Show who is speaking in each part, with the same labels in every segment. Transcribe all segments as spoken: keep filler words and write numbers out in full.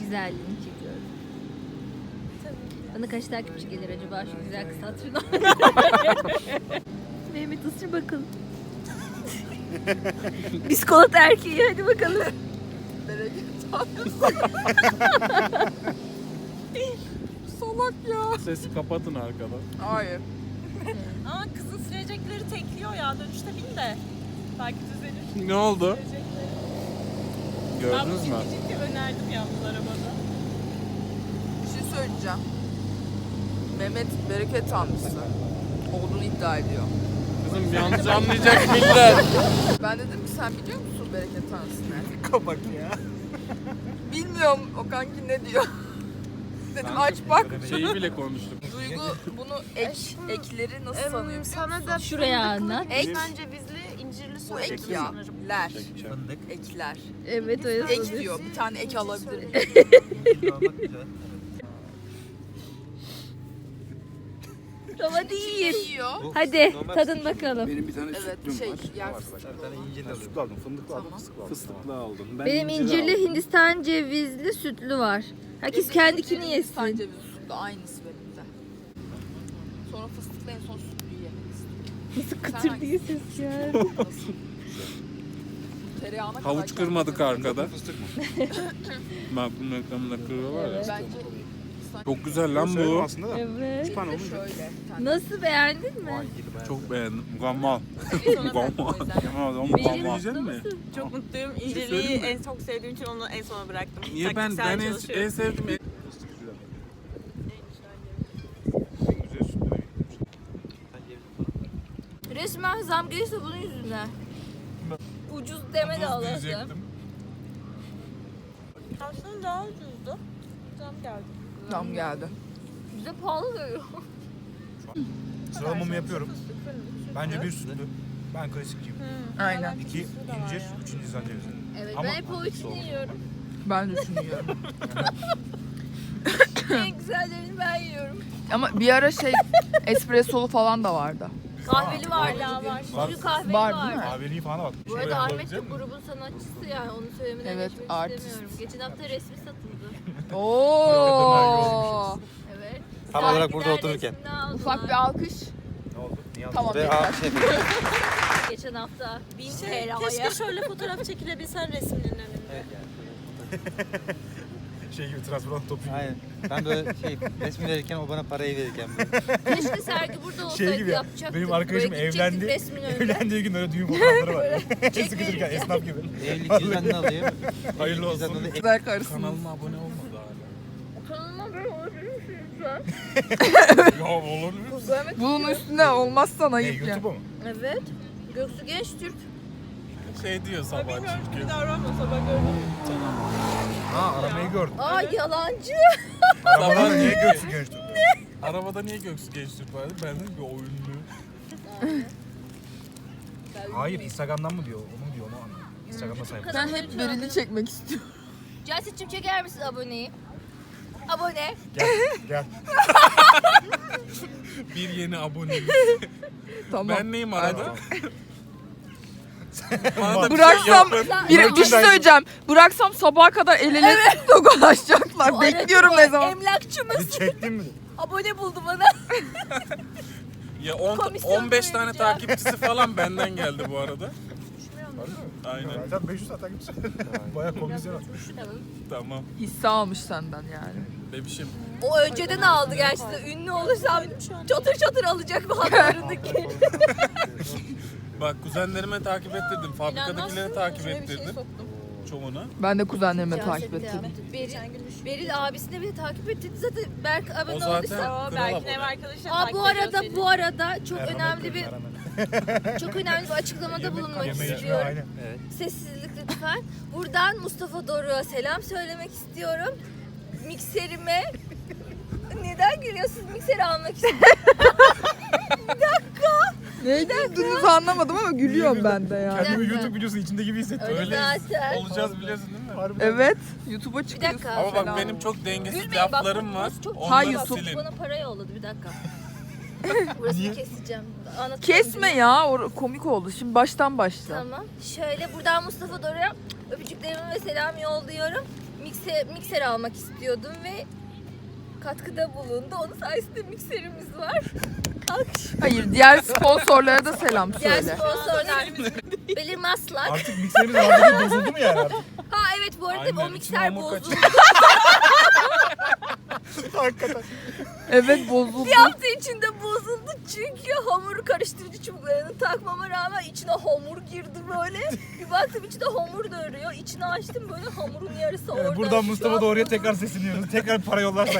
Speaker 1: güzelliğini çekiyorum. Bana kaç takipçi gelir acaba şu güzel kız hatırına? Mehmet ısır bakalım. Biskolata erkeği hadi bakalım.
Speaker 2: Salak ya.
Speaker 3: Sesi kapatın arkada.
Speaker 2: Hayır.
Speaker 4: Ama kızın sürecekleri tekliyor ya. Dönüşte bin de. Belki düzelir.
Speaker 3: Ne oldu?
Speaker 4: Sürecekleri.
Speaker 3: Gördünüz mü?
Speaker 4: Ben bu ciddi önerdim yalnız arabada.
Speaker 2: Bir şey söyleyeceğim. Mehmet bereket tanrısı olduğunu iddia ediyor.
Speaker 3: Kızım yanlış anlayacak millet.
Speaker 2: Ben dedim ki sen biliyor musun bereket tanrısı ne?
Speaker 5: Kapak ya.
Speaker 2: Bilmiyorum o kanki ne diyor. Dedim aç bak.
Speaker 3: Şeyi bile konuştuk.
Speaker 2: Duygu bunu ek, ekleri nasıl sanıyor biliyor
Speaker 6: Sana
Speaker 2: musun?
Speaker 6: da
Speaker 1: Şuraya anlat.
Speaker 2: Ek.
Speaker 6: Ek cevizli, incirli
Speaker 2: Bu
Speaker 6: söyledim
Speaker 2: ek ya.
Speaker 6: sanırım.
Speaker 2: Ler.
Speaker 5: Fındık.
Speaker 2: Ekler.
Speaker 1: Evet öyle
Speaker 2: Ek
Speaker 1: sanırım.
Speaker 2: diyor. Bir tane ek alabilir miyim?
Speaker 5: Almak güzel.
Speaker 1: Ama değil.
Speaker 2: Yiyor.
Speaker 1: Hadi tadın bakalım.
Speaker 7: Benim bir tane
Speaker 2: Evet
Speaker 7: sütlüm
Speaker 2: şey
Speaker 7: var.
Speaker 2: yer
Speaker 5: Bir
Speaker 2: fıstıklı.
Speaker 5: tane incirli
Speaker 7: Ben
Speaker 5: alıyorum.
Speaker 7: sütlü aldım, fındıklı aldım,
Speaker 2: Tamam.
Speaker 7: fıstıklı aldım.
Speaker 3: Fıstıklı aldım. Ben
Speaker 1: Benim
Speaker 3: incir
Speaker 1: incirli
Speaker 3: aldım.
Speaker 1: Hindistan cevizli sütlü var. Herkes kendikini
Speaker 2: Hindistan
Speaker 1: yesin.
Speaker 2: cevizi sütlü aynısı benim de. Sonra fıstıklı en son sütlüyü yemek istiyorum.
Speaker 1: Nasıl kıtır diye ses ya.
Speaker 2: Nasıl? Tereyağına kadar
Speaker 3: Havuç kırmadık
Speaker 2: kendine-
Speaker 3: arkada. Makbul reklamında kırıyorlar ya.
Speaker 2: Bence
Speaker 3: Çok güzel lan
Speaker 7: Söylüyorum
Speaker 3: bu.
Speaker 7: aslında da.
Speaker 1: Evet.
Speaker 7: Süper
Speaker 2: bir de
Speaker 7: olunca.
Speaker 2: şöyle. bir tane.
Speaker 1: Nasıl beğendin mi?
Speaker 3: Çok beğendim. Mukammal.
Speaker 4: Sonra ben
Speaker 3: Mukammal.
Speaker 4: o yüzden.
Speaker 3: Mukammal.
Speaker 1: Benim
Speaker 3: Yiyecek mi?
Speaker 4: Çok mutluyum.
Speaker 3: söyleyeyim
Speaker 4: İncirliği
Speaker 3: mi?
Speaker 4: en çok sevdiğim için onu en sona bıraktım.
Speaker 3: Niye ben
Speaker 4: Taktiksel
Speaker 3: ben en,
Speaker 4: çalışıyorum.
Speaker 3: en sevdiğim en-
Speaker 1: Resmen zam gelirse bunun yüzünden. Ucuz deme de
Speaker 3: Tuz
Speaker 1: Allah'ım.
Speaker 3: diyecektim.
Speaker 4: Aslında daha ucuzdu. Zam geldi.
Speaker 2: Tam geldi.
Speaker 1: Bize pahalı geliyor.
Speaker 5: Sıralamamı yapıyorum. Bence bir sütlü. Ben klasikçiyim.
Speaker 2: Aynen.
Speaker 5: İki incir, üç Hindistan cevizi.
Speaker 1: Evet
Speaker 5: Ama
Speaker 1: ben hep o üçünü yiyorum.
Speaker 2: Ben düşünüyorum.
Speaker 1: En güzellerini ben yiyorum.
Speaker 2: Ama bir ara şey espressolu falan da vardı.
Speaker 1: Kahveli vardı
Speaker 4: Hala
Speaker 1: bugün.
Speaker 4: var.
Speaker 1: Bugün kahveli
Speaker 2: Var,
Speaker 1: vardı.
Speaker 2: değil mi?
Speaker 5: Kahveliği falan bak.
Speaker 1: Bu arada Ahmet de grubun sanatçısı yani onu söylemeden
Speaker 2: Evet,
Speaker 1: geçmek
Speaker 2: artist.
Speaker 1: istemiyorum. Geçen hafta resmi satıldı.
Speaker 2: Oo.
Speaker 1: Evet.
Speaker 5: Tam olarak
Speaker 1: Sergiler
Speaker 5: burada otururken.
Speaker 1: resmini aldılar.
Speaker 2: Ufak bir alkış.
Speaker 5: Ne oldu? Niye
Speaker 2: Tamam,
Speaker 5: Ve
Speaker 2: yeter.
Speaker 5: aa, şey,
Speaker 1: Geçen hafta bin
Speaker 4: Şey,
Speaker 1: T L
Speaker 4: keşke
Speaker 1: havaya.
Speaker 4: şöyle fotoğraf çekilebilsen resminin önünde.
Speaker 5: şey gibi transparan topu.
Speaker 8: Aynen. Ben böyle şey resmi verirken o bana parayı verirken böyle.
Speaker 1: Keşke sergi burada olsaydı
Speaker 5: Şey gibi ya,
Speaker 1: yapacaktık.
Speaker 5: benim arkadaşım
Speaker 1: Böyle gidecektik
Speaker 5: evlendi.
Speaker 1: resmin önünde.
Speaker 5: Evlendiği gün öyle düğün fotoğrafları var. Sıkışırken esnaf gibi.
Speaker 8: Evlilik cüzdanını alayım.
Speaker 5: Hayırlı
Speaker 8: Evlilik
Speaker 5: olsun.
Speaker 8: cüzdanını-
Speaker 2: Güzel karısın.
Speaker 3: Kanalıma abone olmadı hala.
Speaker 1: Kanalıma böyle olabilir misiniz lütfen?
Speaker 3: Ya olur mu?
Speaker 2: Bunun üstüne olmazsa
Speaker 5: Ne,
Speaker 2: ayıp ya.
Speaker 5: YouTube'a mı?
Speaker 1: Evet. Göksu Genç Türk.
Speaker 3: Şey diyor sabah
Speaker 4: Bilmiyorum
Speaker 3: çünkü.
Speaker 4: gibi davranma sabah gördüm.
Speaker 5: Ha aramayı gördüm.
Speaker 1: Aa yalancı.
Speaker 5: Arabada niye göğsü gençti?
Speaker 3: Arabada niye Göksu Genç Türk vardı? Ben dedim ki o ünlü.
Speaker 5: Hayır Instagram'dan mı diyor? Onu diyor onu anlıyor. Instagram'da sayfa.
Speaker 2: Ben hep Beril'i çekmek istiyorum.
Speaker 1: Celsit'cim çeker misin aboneyi? Abone.
Speaker 5: Gel gel.
Speaker 3: Bir yeni abone.
Speaker 2: Tamam.
Speaker 3: Ben neyim arada?
Speaker 5: Tamam.
Speaker 3: Bana da bir
Speaker 2: Bıraksam
Speaker 3: şey yapın.
Speaker 2: bir, bir şey söyleyeceğim. Bıraksam sabaha kadar el ele tokalaşacaklar.
Speaker 1: Bu
Speaker 2: Bekliyorum
Speaker 1: aracı
Speaker 2: ne zaman.
Speaker 1: Emlakçımız
Speaker 5: Bir çektin mi?
Speaker 1: abone buldu bana.
Speaker 3: Ya on,
Speaker 1: Komisyon
Speaker 3: on beş tane
Speaker 1: vereceğim.
Speaker 3: takipçisi falan benden geldi bu arada. Aynen.
Speaker 5: Sen beş yüz saat takipçi. Bayağı komisyon atmış.
Speaker 3: Tamam.
Speaker 2: Hisse almış senden yani.
Speaker 3: Bebişim.
Speaker 1: O önceden aldı gerçekten. Ünlü olursam çatır çatır alacak bazılarındaki.
Speaker 3: Bak kuzenlerime takip ettirdim. Fabrikadakileri takip
Speaker 4: İçine bir şey
Speaker 3: ettirdim.
Speaker 4: soktum.
Speaker 3: Çoğuna.
Speaker 2: Ben de kuzenlerime takip ettim.
Speaker 1: Beril, Beril abisine bile takip ettirdi. Zaten Berk abone
Speaker 3: O zaten
Speaker 1: olduysa.
Speaker 4: Aa,
Speaker 3: kral
Speaker 4: belki ev
Speaker 3: abone.
Speaker 4: arkadaşlar
Speaker 1: Aa
Speaker 4: takip
Speaker 1: bu
Speaker 4: ediyor
Speaker 1: arada
Speaker 4: seni.
Speaker 1: bu arada çok
Speaker 5: Erman
Speaker 1: önemli bir
Speaker 5: Erman.
Speaker 1: çok önemli bir açıklamada bulunmak
Speaker 5: Yemeği içme
Speaker 1: istiyorum.
Speaker 5: aynen.
Speaker 8: Evet.
Speaker 1: Sessizlik lütfen. Buradan Mustafa Doruk'a selam söylemek istiyorum. Mikserime neden gülüyorsunuz? Mikseri almak istiyorum.
Speaker 2: Ne güldüğünüzü anlamadım ama gülüyorum ben de yani.
Speaker 5: Kendimi
Speaker 1: dakika.
Speaker 5: YouTube videosunun içinde gibi hissettim.
Speaker 1: Öyle zaten.
Speaker 3: Olacağız biliyorsun değil mi?
Speaker 2: Evet. YouTube'a
Speaker 1: Bir
Speaker 2: çıkıyorsun.
Speaker 1: dakika.
Speaker 3: Ama bak
Speaker 2: Selam.
Speaker 3: benim çok dengesiz
Speaker 1: Gülmeyin bak.
Speaker 3: laflarım var.
Speaker 1: burası Çok
Speaker 3: Onları
Speaker 2: Ha, YouTube.
Speaker 3: silin.
Speaker 1: Bana para yolladı bir dakika. Burasını keseceğim. Anlatacağım.
Speaker 2: Kesme ya. O komik oldu. Şimdi baştan başla.
Speaker 1: Tamam. Şöyle buradan Mustafa Doruk'a öpücüklerimi ve selam yolluyorum. mikser, mikser almak istiyordum ve katkıda bulundu. Onun sayesinde mikserimiz var. Alkış.
Speaker 2: Hayır, diğer sponsorlara da selam
Speaker 1: Diğer
Speaker 2: söyle.
Speaker 1: sponsorlar Belir Maslak.
Speaker 5: Artık mikserimiz artık bozuldu mu yani artık?
Speaker 1: Ha evet bu arada
Speaker 3: Aynen,
Speaker 1: o
Speaker 3: içine
Speaker 1: mikser
Speaker 3: hamur
Speaker 1: bozuldu.
Speaker 3: kaçıyor.
Speaker 5: Hakikaten.
Speaker 2: Evet, bozuldu.
Speaker 1: Bir hafta içinde bozuldu çünkü hamuru karıştırıcı çubuklarını takmama rağmen içine hamur girdi böyle. Bir baktım içinde hamur da örüyor. İçini açtım böyle hamurun yarısı orada.
Speaker 5: Evet, buradan
Speaker 1: Şu
Speaker 5: Mustafa
Speaker 1: an
Speaker 5: Doğru'ya
Speaker 1: bozuldu.
Speaker 5: tekrar sesleniyoruz. Tekrar para yollarsak.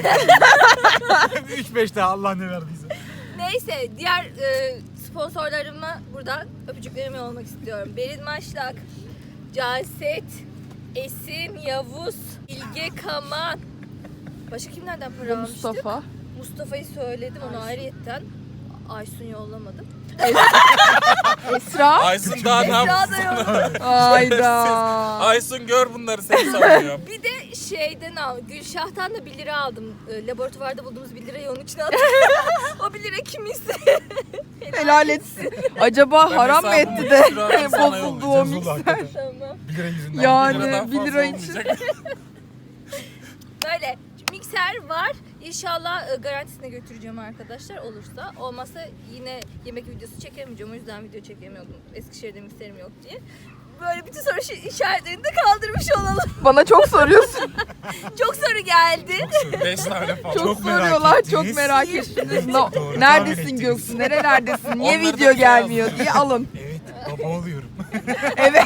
Speaker 5: üç beş daha Allah ne verdiyse.
Speaker 1: Neyse diğer e, sponsorlarıma buradan öpücüklerimi yollamak istiyorum. Berin Maşlak, Canset, Esin, Yavuz, İlge Kaman. Başka kimlerden para almıştık?
Speaker 2: Mustafa.
Speaker 1: Mustafa'yı söyledim onu ayrıyetten. Aysun yollamadım.
Speaker 2: Esra.
Speaker 3: Aysun daha ne
Speaker 1: Esra
Speaker 3: yapsın?
Speaker 1: da yollamadım.
Speaker 2: Hayda.
Speaker 3: Aysun gör bunları seni sanıyor.
Speaker 1: Bir de şeyden al, Gülşah'tan da bir lira aldım. E, laboratuvarda bulduğumuz bir lirayı onun içine attım. O bir lira kimisi.
Speaker 2: Helal etsin. Acaba
Speaker 3: Ben
Speaker 2: haram mı
Speaker 3: hesabımı
Speaker 2: etti de
Speaker 3: bir lira sana
Speaker 2: bozuldu o
Speaker 3: yollayacağım.
Speaker 2: mikser?
Speaker 5: hakikaten.
Speaker 1: Tamam.
Speaker 5: bir lira yüzünden.
Speaker 2: Yani
Speaker 3: Bir liradan
Speaker 2: bir
Speaker 3: fazla
Speaker 2: lira için.
Speaker 3: olmayacak.
Speaker 1: Böyle mikser var. İnşallah e, garantisine götüreceğim arkadaşlar olursa. Olmazsa yine yemek videosu çekemeyeceğim. O yüzden video çekemiyordum. Eskişehir'de mikserim yok diye. Böyle bütün soru şi- işaretlerini de kaldırmış olalım.
Speaker 2: Bana çok soruyorsun.
Speaker 1: Çok soru geldi.
Speaker 3: Beş tane falan.
Speaker 2: Çok,
Speaker 5: Çok merak
Speaker 2: soruyorlar.
Speaker 5: ettiniz.
Speaker 2: Çok merak ettiniz. No-
Speaker 5: Doğru,
Speaker 2: Neredesin
Speaker 5: tahmin ettiniz.
Speaker 2: Göksu? Nerelerdesin? Niye
Speaker 3: Onları da
Speaker 2: video
Speaker 3: bize
Speaker 2: gelmiyor diye alın.
Speaker 5: Evet baba oluyorum.
Speaker 2: Evet.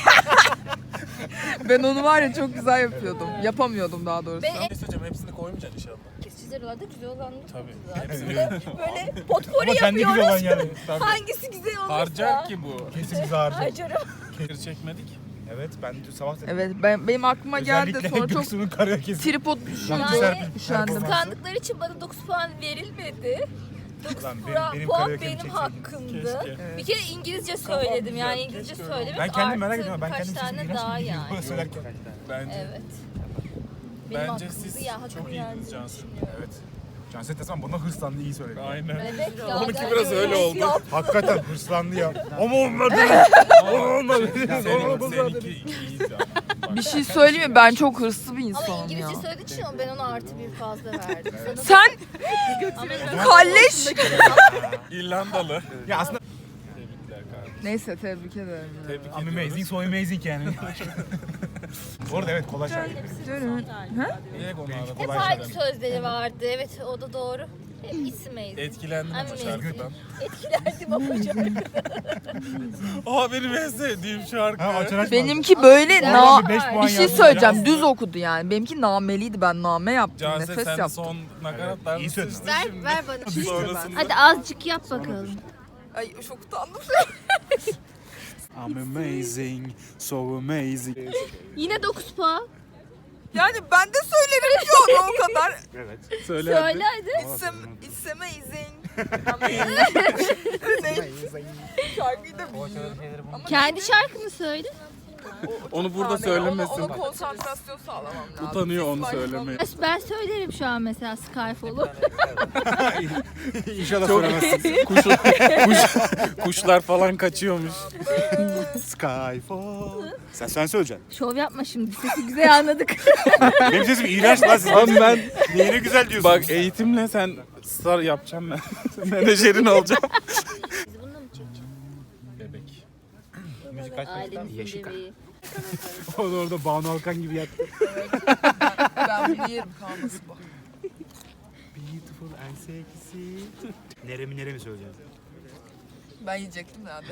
Speaker 2: Ben onu var ya çok güzel yapıyordum. Yapamıyordum daha doğrusu.
Speaker 1: Ben
Speaker 3: Ne söyleyeceğim hepsini koymayacaksın inşallah.
Speaker 1: kesiciler var da güzel olanları
Speaker 3: Tabii.
Speaker 1: zaten.
Speaker 3: Hepsini.
Speaker 1: Böyle potpori
Speaker 5: Ama kendi gibi olan
Speaker 1: yapıyoruz.
Speaker 5: yani.
Speaker 3: Tabii.
Speaker 1: Hangisi güzel olursa.
Speaker 3: Harcar ki bu.
Speaker 5: Kesin bizi harcar.
Speaker 1: Harcarım.
Speaker 3: Kır çekmedik.
Speaker 5: Evet ben dün sabah dedim.
Speaker 2: Evet ben, benim aklıma geldi
Speaker 5: Özellikle
Speaker 2: sonra çok
Speaker 5: Göksu'nun karaoke'si.
Speaker 2: tripod düşündüm.
Speaker 1: Yani
Speaker 2: Üşendim.
Speaker 1: kıskandıkları için bana dokuz puan verilmedi. dokuz
Speaker 5: Ulan benim-
Speaker 1: puan
Speaker 5: benim
Speaker 1: puan
Speaker 5: karaoke'mi
Speaker 1: benim
Speaker 5: çekseydiniz.
Speaker 1: hakkımdı.
Speaker 3: Keşke.
Speaker 1: Bir kere İngilizce
Speaker 3: Kafam
Speaker 1: söyledim
Speaker 3: güzel,
Speaker 1: yani İngilizce
Speaker 3: keşke öyle
Speaker 1: söylemek
Speaker 5: Ben kendim merak
Speaker 1: artı
Speaker 5: ediyorum. Ben
Speaker 1: birkaç
Speaker 5: kendim
Speaker 1: tane
Speaker 5: sesimi
Speaker 1: daha
Speaker 5: nasıl
Speaker 1: yani.
Speaker 5: yani. söylerken.
Speaker 3: Bence.
Speaker 1: Evet. Benim
Speaker 3: Bence
Speaker 1: hakkımdı
Speaker 3: siz
Speaker 1: ya, hakkımı
Speaker 3: çok iyiydiniz
Speaker 1: yendiniz
Speaker 3: Cansu.
Speaker 1: düşünüyorum.
Speaker 5: Evet. Canset Esman bana hırslandı iyi söyledi.
Speaker 3: Aynen.
Speaker 1: Evet ya.
Speaker 3: Onunki
Speaker 1: ben
Speaker 3: biraz öyle oldu.
Speaker 1: Yap.
Speaker 5: Hakikaten hırslandı ya. Ama olmadı. Ama olmadı.
Speaker 3: Senin, seninki iyiydi. Bak,
Speaker 2: Bir şey söyleyeyim mi? Ben çok hırslı bir
Speaker 1: Ama
Speaker 2: insanım ya.
Speaker 1: İngilizce söylediği için ben ona artı bir fazla verdim. Sana
Speaker 2: Sen kalleş.
Speaker 3: İrlandalı.
Speaker 5: Ya aslında
Speaker 3: Tebrikler kardeşim.
Speaker 2: Neyse tebrik ederim.
Speaker 3: Tebrik
Speaker 5: I'm
Speaker 3: ediyoruz.
Speaker 5: amazing so amazing yani. Bu arada evet kolay şarkı.
Speaker 2: Dönün.
Speaker 3: Niye onu
Speaker 5: Benimki
Speaker 3: aradın?
Speaker 1: hep
Speaker 5: kolay
Speaker 1: aynı
Speaker 5: şarkı.
Speaker 1: sözleri vardı. Evet o da doğru. Hep isimeydi.
Speaker 3: Etkilendim ama
Speaker 1: Amazing.
Speaker 3: şarkıdan.
Speaker 1: Etkilendim ama şarkı.
Speaker 3: Aa benim en sevdiğim şarkı.
Speaker 5: Ha açar açmaz.
Speaker 2: Benimki böyle
Speaker 1: Sen-
Speaker 2: na...
Speaker 5: Bir beş puan
Speaker 2: Bir şey
Speaker 5: yazdım.
Speaker 2: söyleyeceğim. Düz okudu yani. Benimki nameliydi. Ben name yaptım.
Speaker 3: Canse
Speaker 2: Nefes
Speaker 3: sen de
Speaker 2: yaptım.
Speaker 3: son nakaratlarını
Speaker 5: iyi söyledin.
Speaker 3: sıçtın
Speaker 1: Ver,
Speaker 3: şimdi.
Speaker 1: ver bana.
Speaker 3: Sonrasında
Speaker 1: Hadi azıcık yap bakalım.
Speaker 2: Ay çok utandım.
Speaker 5: I'm amazing so amazing.
Speaker 1: Yine dokuz puan.
Speaker 2: Yani ben de söylerim ki onu o kadar.
Speaker 5: Evet.
Speaker 3: söyle.
Speaker 1: Söyle hadi.
Speaker 2: It's, am- it's amazing. ne? Şarkıyı da biliyorum.
Speaker 1: Kendi şarkını söyle.
Speaker 3: Onu burada
Speaker 2: Ona,
Speaker 3: söylemesin.
Speaker 2: ona konsantrasyon sağlamam lazım.
Speaker 3: Utanıyor onu
Speaker 2: Saçma.
Speaker 3: söylemeye.
Speaker 1: Ben söylerim şu an mesela Skyfall'u.
Speaker 5: İnşallah
Speaker 3: Çok
Speaker 5: söylemezsin.
Speaker 3: kuş, kuş, kuşlar falan kaçıyormuş.
Speaker 5: Skyfall. Sen sen söyleyeceksin.
Speaker 1: Şov yapma şimdi. Sesi güzel anladık.
Speaker 5: Benim sesim iğrenç lan sizin.
Speaker 3: Abi ben
Speaker 5: Neyine güzel diyorsun.
Speaker 3: bak eğitimle sen star yapacağım ben. Menajerin olacağım.
Speaker 1: Biz bununla mı çekeceğiz?
Speaker 3: Bebek.
Speaker 5: Müzik kaç
Speaker 1: Ailemizin
Speaker 5: Yaşıka.
Speaker 1: bebeği.
Speaker 5: O da orada Banu Alkan gibi yattı.
Speaker 2: Ben bunu yerim kalması bu.
Speaker 5: Beautiful and sexy. Neremi neremi söyleyeceğim.
Speaker 2: Ben yiyecektim de abi.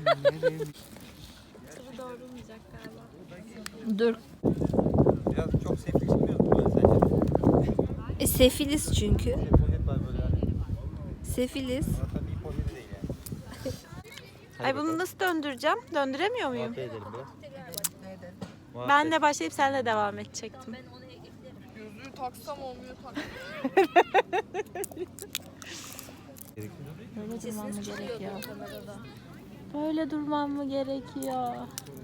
Speaker 1: Dur.
Speaker 8: Biraz çok sefil çıkmıyor mu böyle sence?
Speaker 1: E, sefiliz çünkü.
Speaker 8: Poşet var böyle hani.
Speaker 1: Sefiliz.
Speaker 8: Ama tabii poşeti değil yani.
Speaker 6: Ay bunu nasıl döndüreceğim? Döndüremiyor muyum?
Speaker 8: Muhabbet edelim biraz. Muhabbet.
Speaker 6: Ben de başlayıp senle devam edecektim.
Speaker 2: Gözlüğü taksam olmuyor tak.
Speaker 6: Böyle durmam mı
Speaker 1: Sesiniz çıkıyor
Speaker 6: gerekiyor?
Speaker 1: kamerada.
Speaker 6: Böyle durmam mı gerekiyor?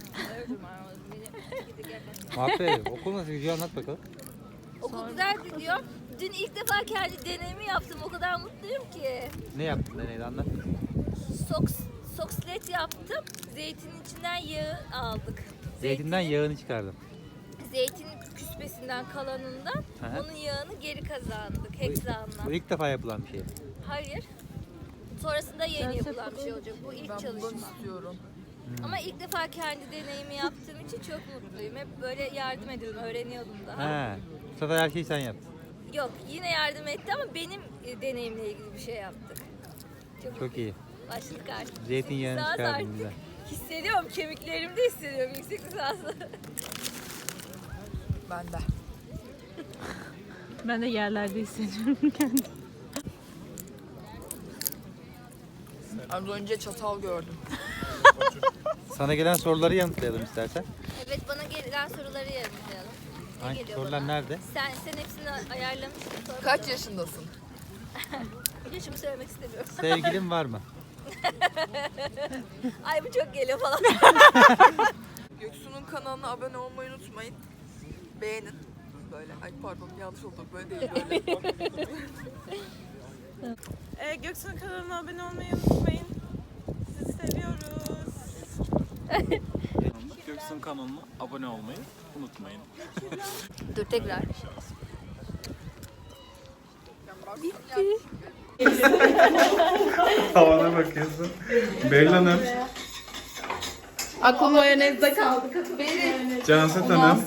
Speaker 8: Muhabbet edelim. Okul nasıl gidiyor anlat bakalım.
Speaker 1: Okul güzel gidiyor. Dün ilk defa kendi deneyimi yaptım. O kadar mutluyum ki.
Speaker 8: Ne yaptın deneyde anlat.
Speaker 1: Soks, sokslet yaptım. Zeytinin içinden yağı aldık.
Speaker 8: Zeytinden yağını çıkardım.
Speaker 1: zeytin küspesinden kalanından
Speaker 8: Aha.
Speaker 1: onun yağını geri kazandık hexanla.
Speaker 8: Bu ilk defa yapılan bir şey.
Speaker 1: Hayır. Sonrasında yeni yapılan bir şey olacak. Bu ilk
Speaker 2: Ben bundan
Speaker 1: çalışma.
Speaker 2: istiyorum.
Speaker 1: Ama ilk defa kendi deneyimi yaptığım için çok mutluyum. Hep böyle yardım ediyordum, öğreniyordum daha.
Speaker 8: Ha. Bu sefer her şeyi sen yaptın.
Speaker 1: Yok, yine yardım etti ama benim e, deneyimle ilgili bir şey yaptık. Çok,
Speaker 8: Çok iyi.
Speaker 1: Başladık artık.
Speaker 8: Zeytinyağını
Speaker 1: Yüksek lisans
Speaker 8: çıkardın
Speaker 1: artık.
Speaker 8: bize.
Speaker 1: Hissediyorum, kemiklerimde hissediyorum yüksek lisansı.
Speaker 2: Ben de.
Speaker 6: Ben de yerlerde hissediyorum kendimi.
Speaker 2: Az önce çatal gördüm.
Speaker 8: Sana gelen soruları yanıtlayalım istersen.
Speaker 1: Evet, bana gelen soruları yanıtlayalım. Ne
Speaker 8: Hangi
Speaker 1: geliyor
Speaker 8: sorular
Speaker 1: bana?
Speaker 8: nerede?
Speaker 1: Sen, sen hepsini ayarlamışsın. Sonra
Speaker 2: Kaç yaşındasın?
Speaker 1: yaşımı söylemek istemiyorum.
Speaker 8: Sevgilin var mı?
Speaker 1: Ay bu çok geliyor falan.
Speaker 2: Göksu'nun kanalına abone olmayı unutmayın. Beğenin. Böyle, ay pardon yanlış oldu. Böyle değil böyle.
Speaker 4: Ee, Göksu'nun kanalına abone olmayı unutmayın. Sizi seviyoruz.
Speaker 3: Göksun kanalına abone olmayı unutmayın.
Speaker 1: Dur tekrar.
Speaker 3: Havana bakıyorsun. Beril Hanım.
Speaker 2: Aklı mayonezde kaldı.
Speaker 3: Canset Hanım.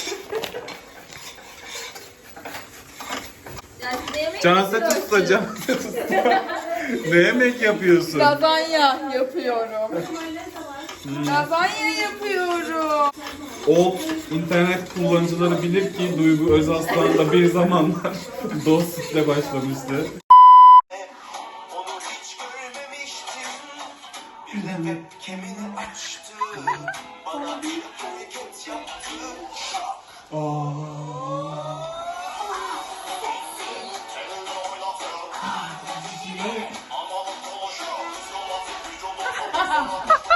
Speaker 1: Yani ne yemek
Speaker 3: Canset usta, Canset usta. Ne yemek yapıyorsun?
Speaker 2: Lazanya yapıyorum. Lazanya yapıyorum.
Speaker 3: Old internet kullanıcıları bilir ki Duygu Özaslan'la bir zamanlar dostlukla başlamıştı.
Speaker 7: Onu hiç görmemiştim. Birden webcam'ini açtı. Bana bir hareket yaptı. Ama konuşuyor.